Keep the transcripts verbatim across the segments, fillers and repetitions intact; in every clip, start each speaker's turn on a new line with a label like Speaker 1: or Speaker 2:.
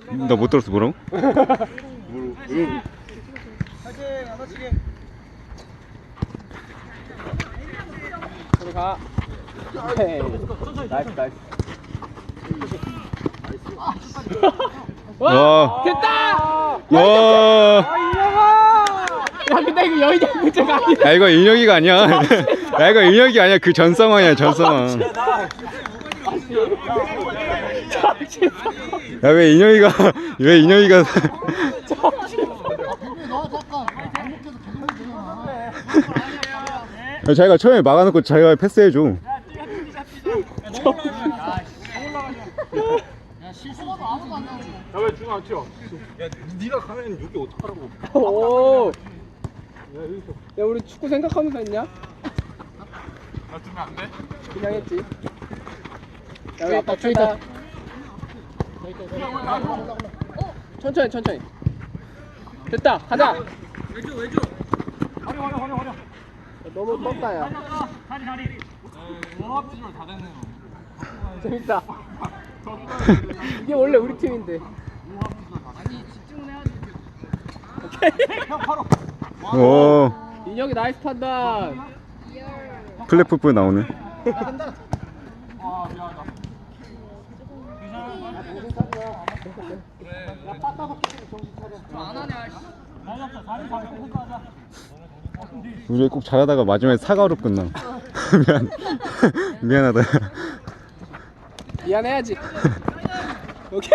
Speaker 1: 나 못 들었어. 뭐라고?
Speaker 2: 들어가. 오케이. 나이스 나이스.
Speaker 1: 와.
Speaker 2: 됐다.
Speaker 1: 와.
Speaker 2: 야 근데 이거 여의도 문제가 아니다.
Speaker 1: 야 이거 인혁이가 아니야. 야 이거 인혁이 아니야. 그 전 상황이야. 전 상황. 야 왜 인혁이가 왜 인혁이가 야, 자기가 처음에 막아놓고 자기가 패스해줘.
Speaker 3: 야왜 중앙 안 튀어? 야 네가 가면 여기 어떡하라고?
Speaker 2: 오. 야 우리 축구 생각하면서 했냐?
Speaker 3: 나 주면 안 돼?
Speaker 2: 그냥 했지. 야 우리 아빠 저기다. 천천히 천천히. 됐다. 가자.
Speaker 3: 왼쪽 왼쪽. 화려 화려 화려 화려.
Speaker 2: 너무 떴다 야.
Speaker 3: 다리 다리. 워합지를 다 됐네.
Speaker 2: 재밌다. 이게 원래 우리 팀인데.
Speaker 1: 오.
Speaker 2: 인혁이 나이스 판단.
Speaker 1: 플랫풋볼 나오네.
Speaker 3: 아 미안하다.
Speaker 1: 우리 꼭 잘하다가 마지막에 사과로 끝나. 미안. 미안하다.
Speaker 2: 미안해야지. 오케이.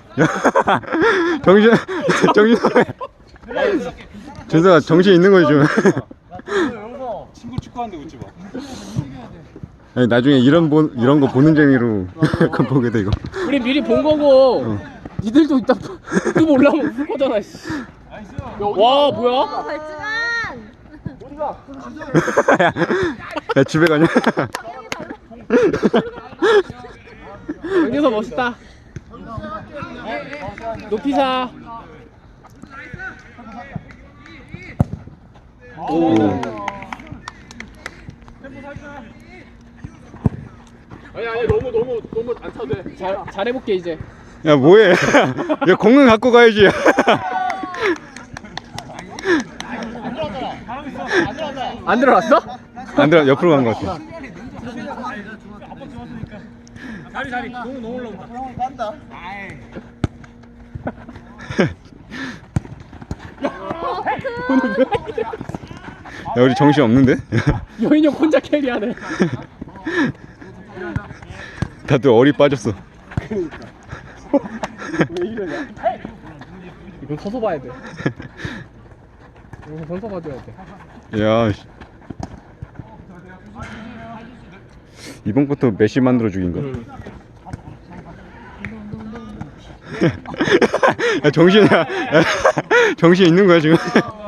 Speaker 1: 정신 정신. 준서가 정신 있는 거지 좀.
Speaker 3: 친구 축구하는데 웃지 마.
Speaker 1: 아니 나중에 이런 보, 이런 거 보는 재미로 약간 보게 돼 이거.
Speaker 2: 우리 미리 본 거고.
Speaker 1: 어.
Speaker 2: 니들도 이따 유튜브 올라오면 웃을 거잖아. 씨. 와 뭐야?
Speaker 4: 어, 발진한.
Speaker 1: 야, 야 집에 가냐?
Speaker 2: 여기서 멋있다. 높이사.
Speaker 1: 오.
Speaker 3: 아니 아니 너무 너무 너무 안 차도 돼.
Speaker 2: 잘 잘해볼게 이제.
Speaker 1: 야 뭐해? 야 공은 갖고 가야지.
Speaker 2: 안 들어왔어?
Speaker 1: 안 들어 옆으로 간 것 같아.
Speaker 3: 다리 다리 너무 너무 올라온다. 간다.
Speaker 1: 야 우리 정신 없는데?
Speaker 2: 여인형 혼자 캐리하네.
Speaker 1: 다들 어리 빠졌어.
Speaker 2: 왜 이러냐? 이건 서서 봐야 돼. 이건 서서 봐줘야 돼.
Speaker 1: 야. 씨. 이번 것도 메시 만들어 죽인 거. 야 정신이야. 야, 정신 있는 거야 지금?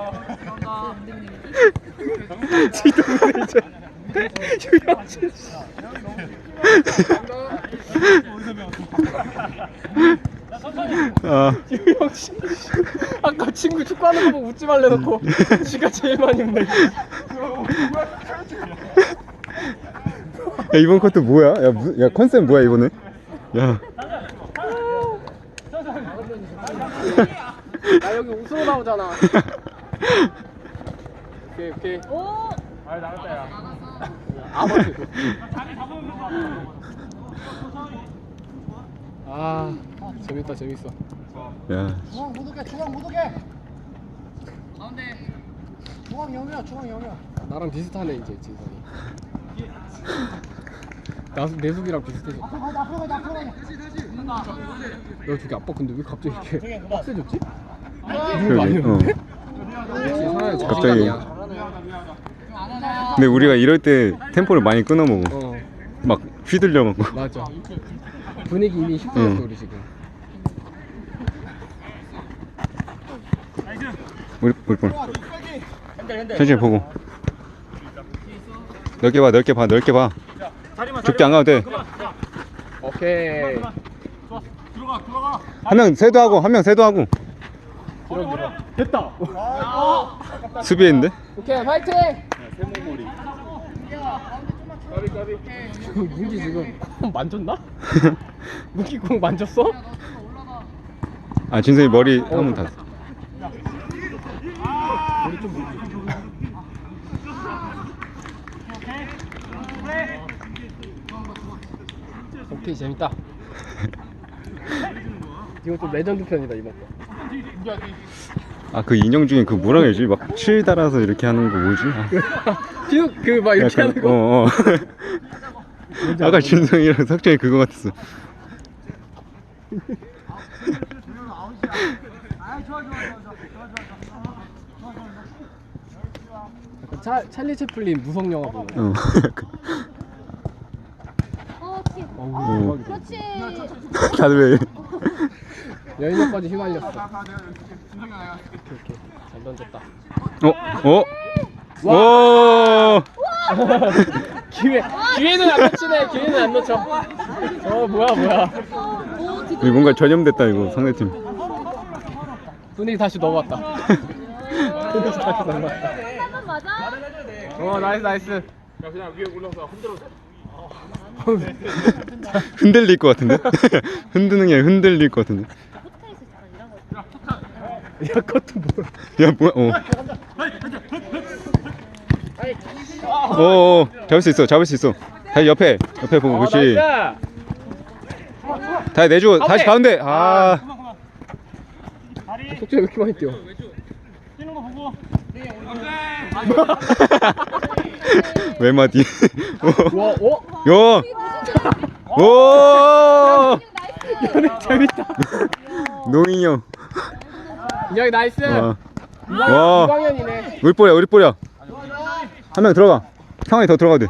Speaker 2: 지동네 이제 유영진 씨.
Speaker 1: 아.
Speaker 2: 유영진 씨. 아까 친구 축구하는 거 보고 웃지 말래놓고 지가 제일 많이 웃네.
Speaker 1: 야 이번 것도 뭐야? 야, 무, 야 컨셉 뭐야 이번에? 야.
Speaker 2: 나 여기 웃으러 나오잖아. 오케이 오케이.
Speaker 4: 오.
Speaker 3: 아 나갔다 야.
Speaker 2: 아버지. 아 재밌다 재밌어.
Speaker 1: 야.
Speaker 5: 중앙 못 오게 중앙 못 오게 중앙 영이야 중앙 영이야
Speaker 2: 나랑 비슷하네 이제 진선이. 나 내숙이랑 비슷해져.
Speaker 5: 앞으로 가자 앞으로 가자 앞으로 가자
Speaker 2: 너 저기 아빠 근데 왜 갑자기 이렇게 빡세졌지?
Speaker 1: 그러게. 어.
Speaker 2: 역시 사람의
Speaker 1: 갑자기.
Speaker 2: 자신감이야.
Speaker 1: 근데 우리가 이럴 때 템포를 많이 끊어 먹어.
Speaker 2: 어
Speaker 1: 막 휘둘려 먹고.
Speaker 2: 맞아. 분위기 이미 휩쓸렸어
Speaker 1: 응.
Speaker 2: 우리 지금.
Speaker 1: 우리 우리 볼. 천천히 보고. 넓게 봐, 넓게 봐, 넓게 봐. 좁게 안 가도 돼.
Speaker 2: 오케이.
Speaker 3: 들어가 들어가.
Speaker 1: 한 명 세도 하고, 한 명 세도 하고.
Speaker 2: 됐다.
Speaker 1: 수비했는데?
Speaker 2: 오케이 파이팅. 문기 지금 공 만졌나? 문기 공 만졌어?
Speaker 1: 아 진성이 머리 한번 다.
Speaker 2: 우리 좀 묻지. 오케이 재밌다. 이거 좀 레전드 편이다 이번 거.
Speaker 1: 아 그 인형 중에 그 뭐라 해야지? 막 칠 달아서 이렇게 하는 거 뭐지? 아,
Speaker 2: 진우 그막 이렇게
Speaker 1: 약간,
Speaker 2: 하는 거.
Speaker 1: 어, 어. 아까 진성이랑 석정이 그거 같았어.
Speaker 2: 약간 차, 찰리 채플린 무성 영화 보는 거.
Speaker 1: 어. 약간.
Speaker 4: 어, 키.
Speaker 2: 어우, 대박이다.
Speaker 4: 그렇지.
Speaker 1: 다들 왜?
Speaker 2: 여인역까지 휘말렸어. 오케이 오케이 잘 던졌다.
Speaker 1: 어? 어? 오!
Speaker 2: 기회 기회는 안 놓치네. 기회는 안 놓쳐. 어 뭐야 뭐야.
Speaker 4: 오,
Speaker 1: 이거 뭔가 전염됐다 이거 상대팀.
Speaker 2: 분위기 다시 넘어왔다. 분위기 다시 넘어왔다.
Speaker 4: 한번 맞아?
Speaker 2: 어 나이스 나이스.
Speaker 3: 야 그냥 위에 올라서 흔들어.
Speaker 1: 흔들릴 것 같은데? 흔드는 게 아니라 흔들릴 것 같은데?
Speaker 4: 포트카이스 잠깐 이런 거.
Speaker 2: 야 그것도 뭐야.
Speaker 1: 야 뭐야? 어. 어, 어, 잡을 수 있어, 잡을 수 있어. 다시 옆에, 옆에 보고,
Speaker 2: 어,
Speaker 1: 그렇지.
Speaker 2: 나이스.
Speaker 1: 다시 내주고, 다시 가운데. 아,
Speaker 2: 속도가 왜 이렇게 많이 뛰어?
Speaker 1: 외마디.
Speaker 2: 와 어?
Speaker 1: 요, 오,
Speaker 2: 연애 재밌다.
Speaker 1: 노인형.
Speaker 2: 인혁이 나이스.
Speaker 1: 와,
Speaker 2: 이광-
Speaker 1: 와.
Speaker 2: 이광현이네.
Speaker 1: 우리 볼이야, 우리 볼이야. 한 명 들어가. 상황이 더 들어가도 돼.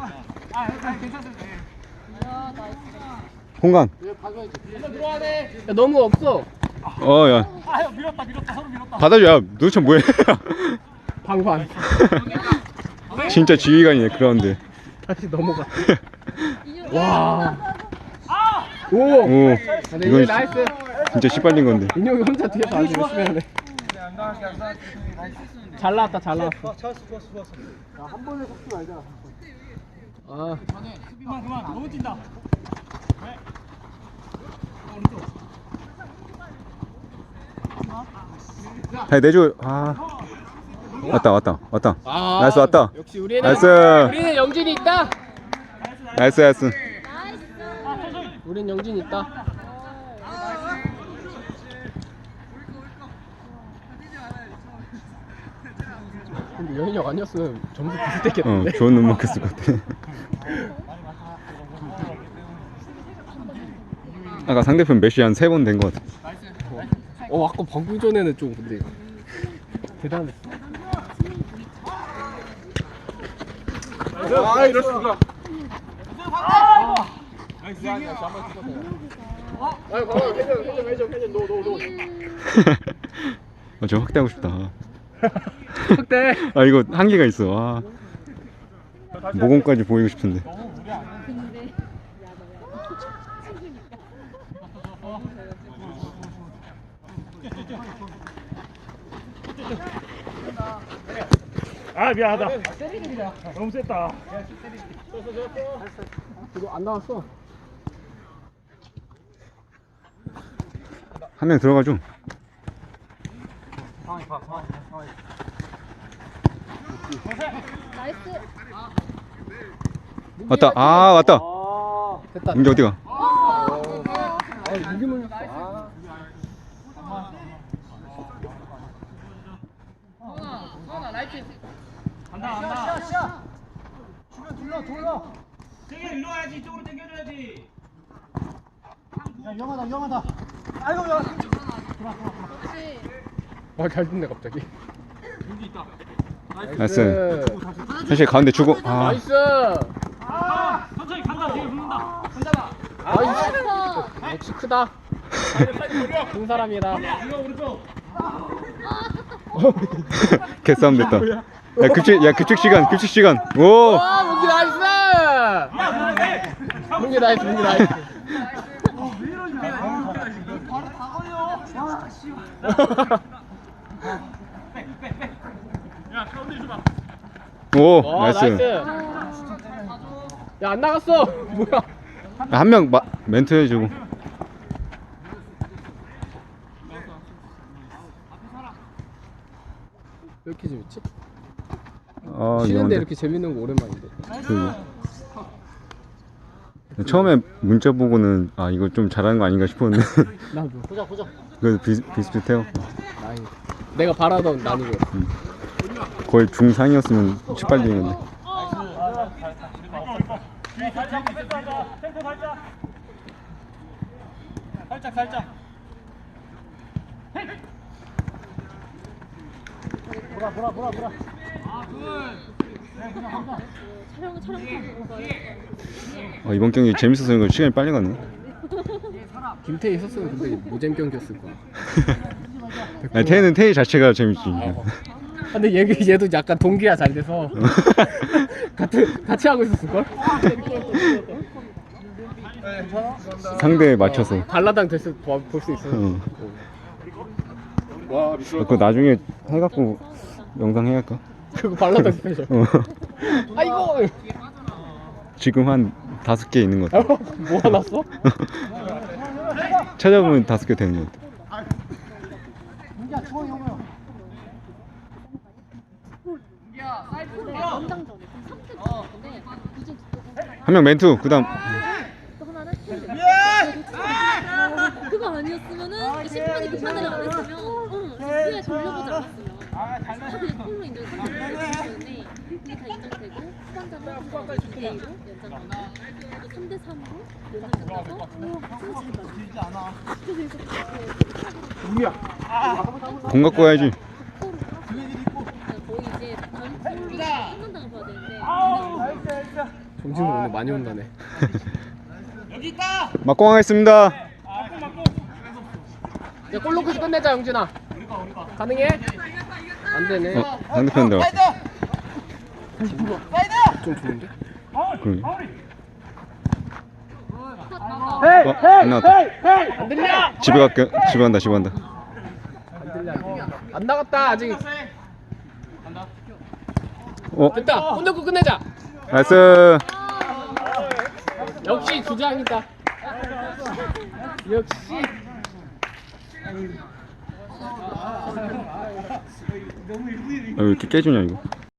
Speaker 1: 공간.
Speaker 2: 야 너무 없어.
Speaker 1: 어, 야. 받아줘, 야. 도대체 뭐해?
Speaker 2: 방관.
Speaker 1: 진짜 지휘관이네, 그런데.
Speaker 2: 다시 넘어가. 와. 오.
Speaker 1: 오,
Speaker 2: 아, 근데
Speaker 1: 이건
Speaker 2: 인혁이 나이스.
Speaker 1: 진짜 씨발린 건데.
Speaker 2: 인혁이 혼자 뒤에서 아주 열심히 하네. 잘 나왔다 잘 나왔어.
Speaker 5: 한 번에 속지 말자.
Speaker 2: 아.
Speaker 5: 그만 그만 너무 뛴다.
Speaker 1: 다시 내줘. 아. 왔다, 왔다, 왔다.
Speaker 2: 아.
Speaker 1: 나이스, 왔다.
Speaker 2: 역시 우리는
Speaker 1: 나이스.
Speaker 2: 우리는 영진이 있다.
Speaker 1: 나이스, 나이스.
Speaker 2: 우린 영진이 있다. 근데 여인혁 아니었으면 점수
Speaker 1: 어,
Speaker 2: 비슷했겠는데.
Speaker 1: 좋은 눈 먹혔을 것 같아. 아까 상대편 메시 한 세 번 된 것 같아.
Speaker 2: 어 아까 방금 전에는 좀 근데 대단했어.
Speaker 3: 아 이럴 수가.
Speaker 2: 아유 봐봐 회전 회전 회전 회전 노노노.
Speaker 1: 아, 저 확대하고 싶다.
Speaker 2: 확대.
Speaker 1: 아, 이거 한계가 있어. 아. 모공까지 보이고 싶은데.
Speaker 4: 근데
Speaker 3: 아 미안하다. 너무 셌다.
Speaker 2: 이거 안 나왔어.
Speaker 1: 한 명 들어가줘.
Speaker 4: 나이스.
Speaker 1: 왔다. 아, 왔다.
Speaker 2: 됐다.
Speaker 1: 이제 어디가?
Speaker 2: 아 이게 물렸어. 아.
Speaker 5: 주변 둘러 둘러.
Speaker 3: 되게 일로 와야지 이쪽으로 당겨줘야지.
Speaker 5: 야 위험하다 위험하다. 아이고 야.
Speaker 4: 그렇지.
Speaker 2: 아잘 듣네 갑자기.
Speaker 1: 나이스. 사실 가운데 주고. 아,
Speaker 2: 나이스.
Speaker 3: 천천히 간다. 뒤에 붙는다.
Speaker 2: 나이스. 역시 크다. 큰 사람이다.
Speaker 3: 이거 오른쪽.
Speaker 1: 개싸움 됐다. 야, 급식, 야, 급식 시간, 급식 시간. 오!
Speaker 2: 와 문기 나이스. 문기 나이스 문기 나이스.
Speaker 5: 바로 다 걸려. 아 씨.
Speaker 3: 야 가운데 줘봐.
Speaker 1: 오,
Speaker 2: 와
Speaker 1: 나이스.
Speaker 2: 나이스. 야 안 나갔어. 뭐야?
Speaker 1: 한 명 멘트 해주고.
Speaker 2: 왜 이렇게 재밌지?
Speaker 1: 아
Speaker 2: 쉬는데
Speaker 1: 이건데
Speaker 2: 이렇게 재밌는 거 오랜만인데.
Speaker 1: 그러게. 처음에 문자 보고는 아 이거 좀 잘하는 거 아닌가 싶었는데
Speaker 2: 나도.
Speaker 5: 보자 보자.
Speaker 1: 그 비슷비슷해요.
Speaker 2: 나이. 내가 바라던 난이도.
Speaker 1: 거의 중상이었으면 시빨리는데.
Speaker 5: 살짝 뺐다. 템포 살짝. 살짝 살짝. 보라 보라 보라 보라.
Speaker 4: 촬영 촬영 보고 가요.
Speaker 1: 아, 이번 경기 재밌어서 이거 시간이 빨리 갔네.
Speaker 2: 김태희 있었으면 근데 노잼 경기였을 거야.
Speaker 1: 아니, 태는 태희 자체가 재밌지.
Speaker 2: 근데 얘 얘도 약간 동기가 잘 돼서 같이 같이 하고 있었을 걸?
Speaker 1: 상대에 맞춰서.
Speaker 2: 발라당 됐을 볼 수 있어.
Speaker 1: 어.
Speaker 3: 와
Speaker 1: 아,
Speaker 3: 미끄러.
Speaker 1: 그거 나중에 해갖고 영상 해갈까?
Speaker 2: 그거 발라당 스페셜.
Speaker 1: 어.
Speaker 2: 아이고.
Speaker 1: 지금 한 다섯 개 있는 것 같아.
Speaker 2: 모아놨어?
Speaker 1: 찾아보면 다섯 개 되는 것 같아.
Speaker 5: 민기야 주원이 형이요.
Speaker 4: 연장전에 삼 대 근데 이제
Speaker 1: 한 명 멘투. 그다음
Speaker 4: 또 하나는 그거 아니었으면은 심판이 그 판단을 안 했으면 응 뒤에 돌려보지 않았으면 다 그냥 콜로 인정 삼 대 이게 다 인정되고 후반전은 이 대 이로 연장 끝나고 삼 대 삼으로 연장 끝나서 승부 잘 맞아. 그래서 이렇게
Speaker 1: 공 갖고 와야지.
Speaker 4: 거의 이제 다음 콜로 끝난다고 봐야 되는데
Speaker 2: 정진우 오늘 많이 온다네.
Speaker 1: 막공 하겠습니다.
Speaker 2: 야, 골 넣고 끝내자 영진아. 가능해? 안 되네.
Speaker 1: 어, 상대편 들어갔어.
Speaker 2: 좀 좋은데?
Speaker 1: 그러게.
Speaker 5: 헤이
Speaker 1: 어, 안 나왔다.
Speaker 5: 헤이.
Speaker 2: 안 들려?
Speaker 1: 집에 갈게. 집에 간다. 집에 간다.
Speaker 2: 안 들려. 안 들려. 안 나갔다 아직.
Speaker 1: 어,
Speaker 2: 됐다. 골 넣고 끝내자.
Speaker 1: 나이스.
Speaker 2: 역시 주장이다. 역시.
Speaker 1: 아, 왜 이렇게 깨주냐 이거.